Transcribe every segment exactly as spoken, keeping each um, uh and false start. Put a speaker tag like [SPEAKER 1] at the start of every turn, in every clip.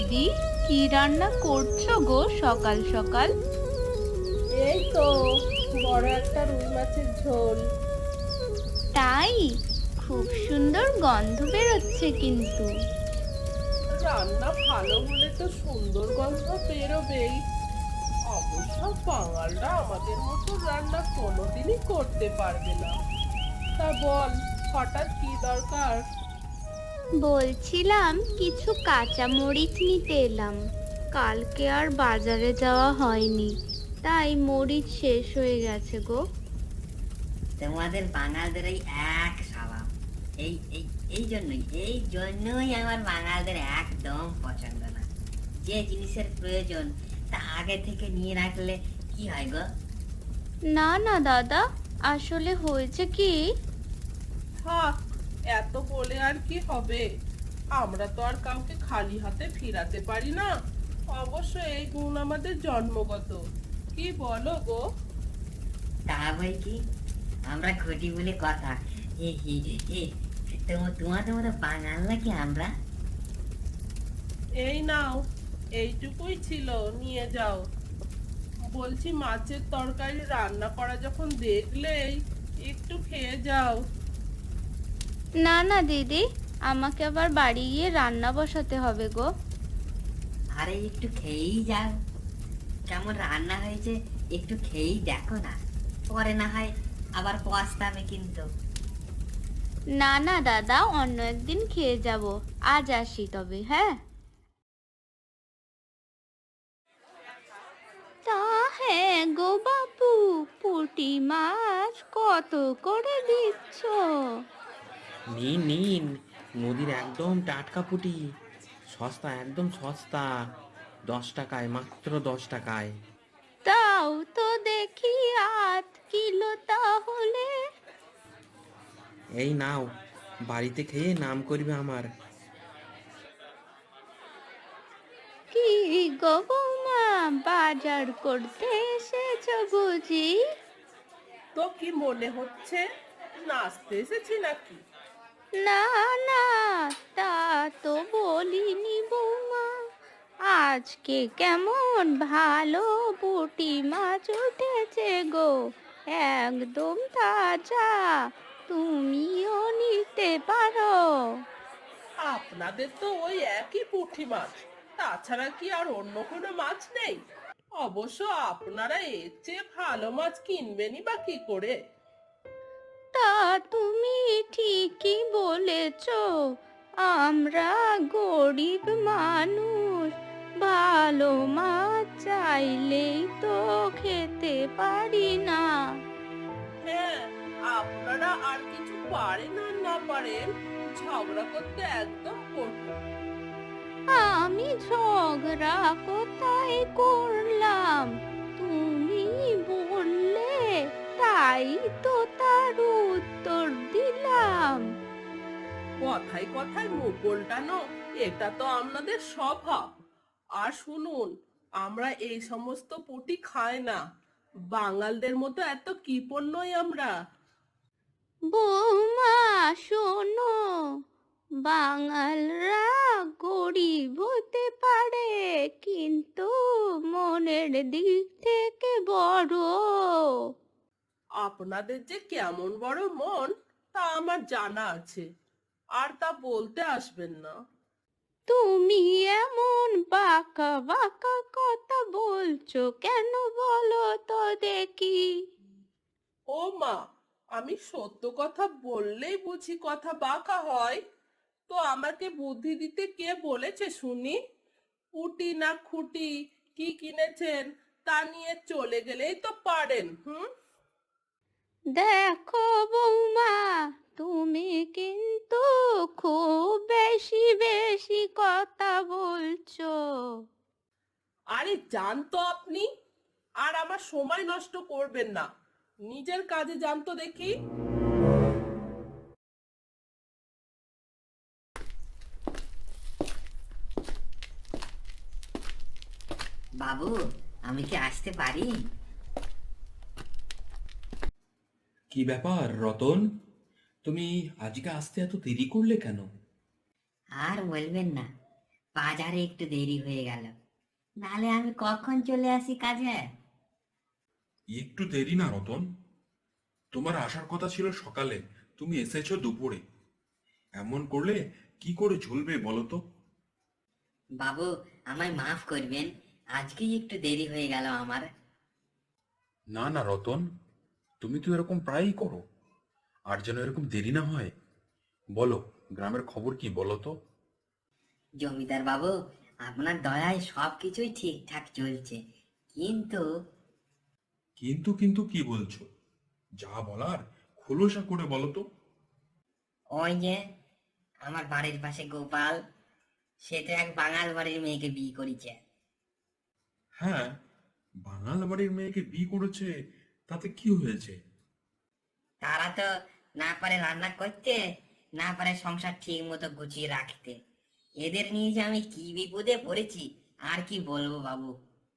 [SPEAKER 1] দিদি, কি রান্না করছো গো সকাল সকাল?
[SPEAKER 2] এই তো বড় একটা রুই মাছের ঝোল।
[SPEAKER 1] তাই? খুব সুন্দর গন্ধ বেরোচ্ছে কিন্তু।
[SPEAKER 2] রান্না ভালো হলে তো সুন্দর গন্ধ বেরোবেই। অবশ্য বাঙালরা আমাদের মতো রান্না কোনোদিনই করতে পারবে না। তা বল, হঠাৎ কি দরকার?
[SPEAKER 1] বলছিলাম কিছু কাঁচা মরিচ নিতে এলাম। কালকে আর বাজারে যাওয়া হয়নি, তাই মরিচ শেষ হয়ে গেছে গো।
[SPEAKER 3] তোমাদের বাঙালদের এই এক স্বভাব। এই এই এই জন্যই এই জন্যই আমার বাঙালদের একদম পছন্দ না। যে জিনিসের প্রয়োজন তা আগে থেকে নিয়ে রাখলে কি হয় গো?
[SPEAKER 1] না না দাদা, আসলে হয়েছে কি,
[SPEAKER 2] থাক, এত বলে আর কি হবে? আমরা তো আর কাউকে খালি হাতে ফিরাতে পারি না। অবশ্য এই গুণ আমাদের জন্মগত। কি বলো গো?
[SPEAKER 3] তা বই কি, আমরা ঘটি বলে কথা। হে হে হে, তোমা- তোমাদের মতো বাঙাল নাকি আমরা?
[SPEAKER 2] এই নাও, এইটুকুই ছিল, নিয়ে যাও। বলছি, মাছের তরকারি রান্না করা যখন দেখলেই একটু খেয়ে যাও।
[SPEAKER 1] না না দিদি, আমাকে আবার বাড়ি গিয়ে রান্না বসাতে হবে গো।
[SPEAKER 3] আরে একটু খেয়েই যাও। কেমন রান্না হয়েছে একটু খেয়েই দেখো না, পরে না হয় আবার পস্তাবে কিন্তু।
[SPEAKER 1] না না দাদা, অন্য একদিন খেয়ে যাব। আজ আসি তবে, হ্যাঁ। তা হ্যাঁ গো বাপু, পুঁটি মাছ কত করে দিচ্ছ?
[SPEAKER 4] নিন নিন, নদীর একদম টাটকা পুঁটি, সস্তা, একদম সস্তা, দশ টাকায়, মাত্র দশ টাকায়।
[SPEAKER 1] তাও তো দেখি আধ কিলো তাহলে।
[SPEAKER 4] এই নাও, বাড়িতে খেয়ে নাম করবে আমার।
[SPEAKER 1] কি গো বৌমা, বাজার করতে এসেছো বুঝি?
[SPEAKER 2] তো কি মনে হচ্ছে, নাচতে এসেছি নাকি?
[SPEAKER 1] না না, তা তো বলিনি বৌমা। আজকে কেমন ভালো পুঁটি মাছ উঠেছে গো, একদম তাজা। তুমিও নিতে পারো।
[SPEAKER 2] আপনাদের তো ওই একই পুঁটি মাছ, তাছাড়া কি আর অন্য কোনো মাছ নেই? অবশ্য আপনারা এর চেয়ে ভালো মাছ কিনবেনই বা কি করে?
[SPEAKER 1] তা তুমি ঠিকই বলেছ, আমরা গরিব মানুষ, ভালো মাছ চাইলেই তো খেতে পারি না।
[SPEAKER 2] হ্যাঁ, আপনারা আর কিছু পারেন আর না পারেন, ঝগড়া করতে একদম পটু।
[SPEAKER 1] আমি ঝগড়া কোথায় করলাম? তুমি বললে, তাই তো তার উত্তর দিলাম।
[SPEAKER 2] কথায় কথায় মুখ উল্টানো, এটা তো আপনাদের স্বভাব। আর শুনুন, আমরা এই সমস্ত পুঁটি খাই না। বাঙালদের মতো এত কৃপণ নই আমরা।
[SPEAKER 1] বৌমা শোনো, বাঙালরা গরিব হতে পারে, কিন্তু মনের দিক থেকে বড়।
[SPEAKER 2] আপনাদের যে কেমন বড় মন, তা আমার জানা আছে। আর তা বলতে আসবেন না।
[SPEAKER 1] তুমি এমন বাঁকা বাঁকা কথা বলছো কেন, বলো তো দেখি?
[SPEAKER 2] ও মা, আমি সত্য কথা বললেই বুঝি কথা বাঁকা হয়? তো আমাকে বুদ্ধি দিতে কে বলেছে শুনি? উটি না খুঁটি কি কিনেছেন, তা নিয়ে চলে গেলেই তো পারেন। হুম।
[SPEAKER 1] দেখো বৌমা, তুমি কিন্তু খুব বেশি বেশি কথা বলছো।
[SPEAKER 2] আরে যান তো আপনি, আর আমার সময় নষ্ট করবেন না। নিজের কাজে যান তো দেখি।
[SPEAKER 3] বাবু, আমি কি আসতে পারি?
[SPEAKER 5] কি ব্যাপার রতন, তুমি আজকে আসতে এত দেরি করলে কেন?
[SPEAKER 3] আর বলবেন না, বাজারে একটু দেরি হয়ে গেল, নাহলে আমি কখন চলে আসি কাজে।
[SPEAKER 5] একটু দেরি না রতন, তোমার আসার কথা ছিল সকালে, তুমি এসেছো দুপুরে। এমন করলে কি করে চলবে বলো তো?
[SPEAKER 3] বাবু, আমায় মাফ করবেন, আজকেই একটু দেরি হয়ে গেল আমার।
[SPEAKER 5] না না রতন, তুমি তো এরকম প্রায়ই করো, আর যেন এরকম দেরি না হয়। বলো, গ্রামের খবর কি বলো তো?
[SPEAKER 3] জমিদার বাবু, আপনার দয়ায় সবকিছুই ঠিকঠাক চলছে, কিন্তু
[SPEAKER 5] কিন্তু কিন্তু কি বলছো? যা বলার খোলসা করে বলো তো।
[SPEAKER 3] ওই যে আমার বাড়ির পাশে গোপাল, সে তো এক বাঙাল বাড়ির মেয়েকে বিয়ে করেছে।
[SPEAKER 5] হ্যাঁ, বাঙাল বাড়ির মেয়েকে বিয়ে করেছে, তাতে কি হয়েছে?
[SPEAKER 3] তারা তো না পারে রান্না করতে, না পারে সংসার ঠিক মতো গুছিয়ে রাখতে। এদের নিয়ে যে আমি কি বিপদে পড়েছি আর কি বলবো বাবু।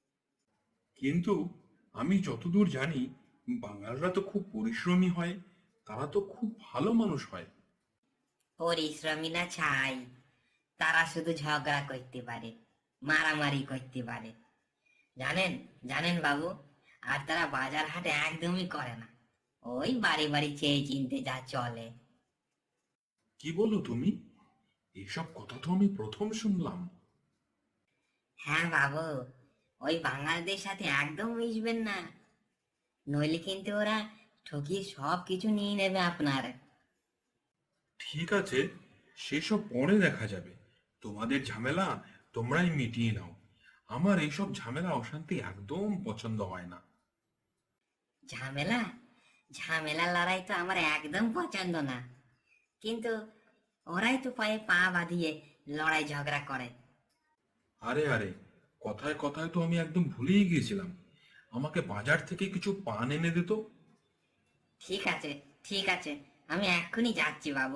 [SPEAKER 5] কিন্তু আমি যতদূর জানি, বাঙালরা তো খুব পরিশ্রমী হয়, তারা তো খুব ভালো মানুষ হয়।
[SPEAKER 3] পরিশ্রমী না ছাই, তারা শুধু ঝগড়া করতে পারে, মারামারি করতে পারে, জানেন জানেন বাবু। আর তারা বাজার হাট একদমই করে না, ওই বাড়ি বাড়ি চেয়ে চিনতে যা চলে।
[SPEAKER 5] কি বলো তুমি? এসব কথা তো আমি প্রথম শুনলাম।
[SPEAKER 3] হ্যাঁ বাবু, ওই বাঙালদের সাথে একদম মিশবেন না, নইলে কিন্তু ওরা ঠকিয়ে সব কিছু নিয়ে নেবে আপনার।
[SPEAKER 5] ঠিক আছে, সেসব পরে দেখা যাবে। তোমাদের ঝামেলা তোমরাই মিটিয়ে নাও। আমার এইসব ঝামেলা অশান্তি একদম পছন্দ হয় না।
[SPEAKER 3] ঝামেলা ঝামেলা লড়াই তো আমার একদম পছন্দ না, কিন্তু ওরাই তো পায়ে পা বাঁধিয়ে লড়াই ঝগড়া করে।
[SPEAKER 5] আরে আরে, কথায় কথায় তো আমি একদম ভুলেই গিয়েছিলাম। আমাকে বাজার থেকে কিছু পান এনে দে তো।
[SPEAKER 3] ঠিক আছে ঠিক আছে, আমি এক্ষুনি যাচ্ছি বাবু।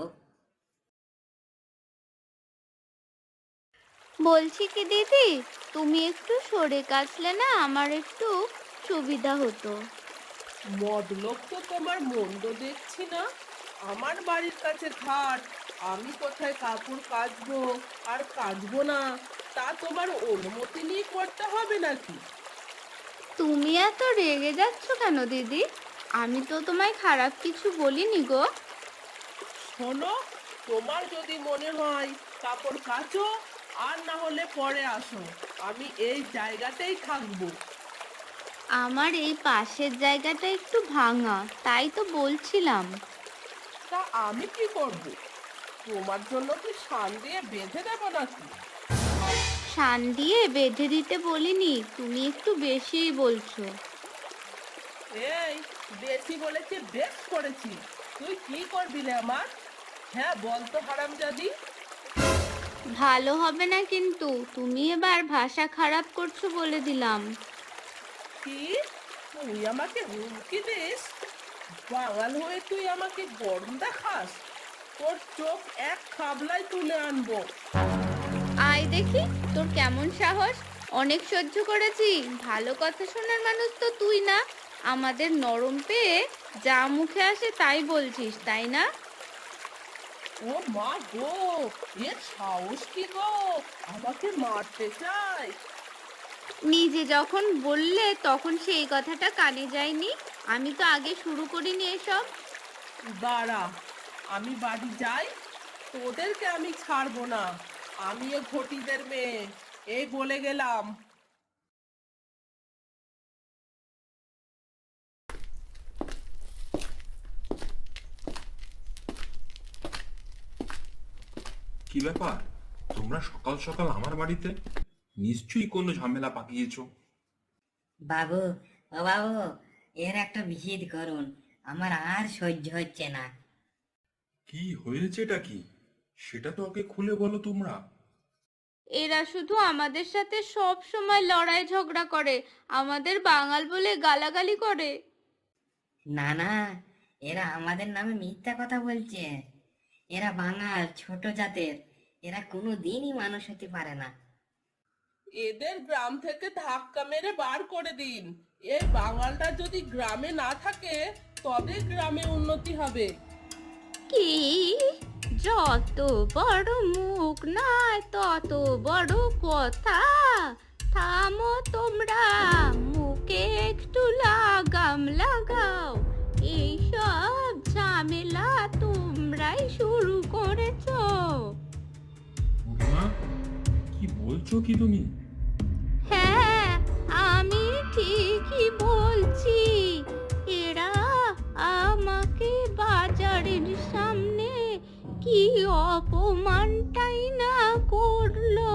[SPEAKER 1] বলছি কি দিদি, তুমি একটু সরে কাছলে না আমার একটু সুবিধা হতো।
[SPEAKER 2] মতলব তো তোমার মন্দ দেখছি না। আমার বাড়ির কাছে ঘাট, আমি কোথায় কাপড় কাচবো আর কাচবো না তা তোমার অনুমতি নিয়ে করতে হবে নাকি?
[SPEAKER 1] তুমি এত রেগে যাচ্ছ কেন দিদি? আমি তো তোমায় খারাপ কিছু বলিনি গো।
[SPEAKER 2] শোনো, তোমার যদি মনে হয় কাপড় কাচো, আর না হলে পরে আসো, আমি এই জায়গাতেই থাকবো।
[SPEAKER 1] আমার এই পাশের জায়গাটা একটু ভাঙা, তাই তো বলছিলাম।
[SPEAKER 2] তা আমি কি করব? তোমার জন্য কি শান দিয়ে বেঁধে দেবো নাকি?
[SPEAKER 1] শান দিয়ে বেঁধে দিতে বলিনি, তুমি একটু বেশিই বলছো।
[SPEAKER 2] এই, বেশি বলেছি বেশ করেছি। তুই কি করবি রে আমার? হ্যাঁ বল তো হারামজাদি।
[SPEAKER 1] ভালো হবে না কিন্তু, তুমি এবার ভাষা খারাপ করছো বলে দিলাম।
[SPEAKER 2] কি? তুই আমাকে হুমকি দিস? বাঙাল হয়ে তুই আমাকে গরম দেখাস? তোর চোখ এক খাবলায় তুলে আনবো।
[SPEAKER 1] আয় দেখি তোর কেমন সাহস। অনেক সহ্য করেছি, ভালো কথা শোনার মানুষ তো তুই না। আমাদের নরম পেয়ে যা মুখে আসে তাই বলছিস, তাই না?
[SPEAKER 2] ও মা গো, এর সাহস কি গো? আমাকে মারতে চাই?
[SPEAKER 1] নিজে যখন বললে তখন সেই কথাটা কানে যায়নি। আমি তো আগে শুরু করিনি এসব।
[SPEAKER 2] দাঁড়া, আমি বাড়ি যাই, তোদেরকে আমি ছাড়বো না। আমি এ ঘটিদের মেয়ে, এই বলে গেলাম।
[SPEAKER 5] কি ব্যাপার, তোমরা সকাল সকাল আমার বাড়িতে? নিশ্চয়ই কোনো ঝামেলা পাকিয়েছো।
[SPEAKER 3] বাবু, ও বাবু, এর একটা বিহিত করুন, আমার আর সহ্য হচ্ছে না।
[SPEAKER 5] কি হয়েছেটা কি, সেটা তো আগে খুলে বলো তোমরা।
[SPEAKER 1] এরা শুধু আমাদের সাথে সব সময় লড়াই ঝগড়া করে, আমাদের বাঙাল বলে গালাগালি করে।
[SPEAKER 3] না না, এরা আমাদের নামে মিথ্যা কথা বলছে। এরা বাঙাল, ছোট জাতের, এরা কোনো দিনই মানুষ হতে পারে না।
[SPEAKER 2] এদের গ্রাম থেকে ধাক্কা মেরে বার করে দিন। এই বাঙালটা যদি গ্রামে না থাকে তবে গ্রামে উন্নতি হবে।
[SPEAKER 1] কি যত বড় মুখ নয় তত বড় কথা। থামো তোমরা, মুখে একটু লাগাম লাগাও। এইসব ঝামেলা তোমরাই শুরু করেছো।
[SPEAKER 5] বুড়িমা, কি বলছো কি তুমি?
[SPEAKER 1] হ্যাঁ, আমি ঠিকই বলছি। এরা আমাকে বাজারের সামনে কি অপমানটাই না করলো।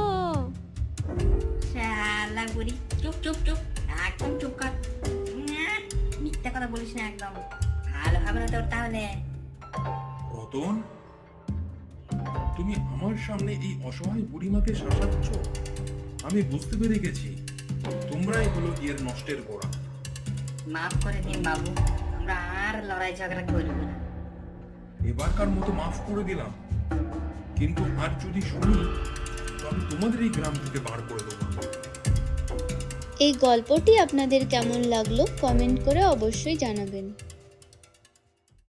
[SPEAKER 3] শালা বুড়ি, চুপ চুপ চুপ, একদম চুপ কর। উম, মিথ্যা কথা বলিস না একদম, ভালো হবে না তোর তাহলে।
[SPEAKER 5] রতন, তুমি আমার সামনে এই অসহায় বুড়িমাকে শাসাচ্ছ। আমি বুঝতে পেরে গেছি তোমরাই হলো এর নষ্টের গোড়া।
[SPEAKER 3] মাফ করে দিন বাবু, আমরা আর লড়াই ঝগড়া করব না।
[SPEAKER 5] এবারকার মতো মাফ করে দিলাম, কিন্তু আর যদি শুনি তবে তোমাদের এই গ্রাম থেকে বার করে দেবো।
[SPEAKER 6] এই গল্পটি আপনাদের কেমন লাগলো কমেন্ট করে অবশ্যই জানাবেন।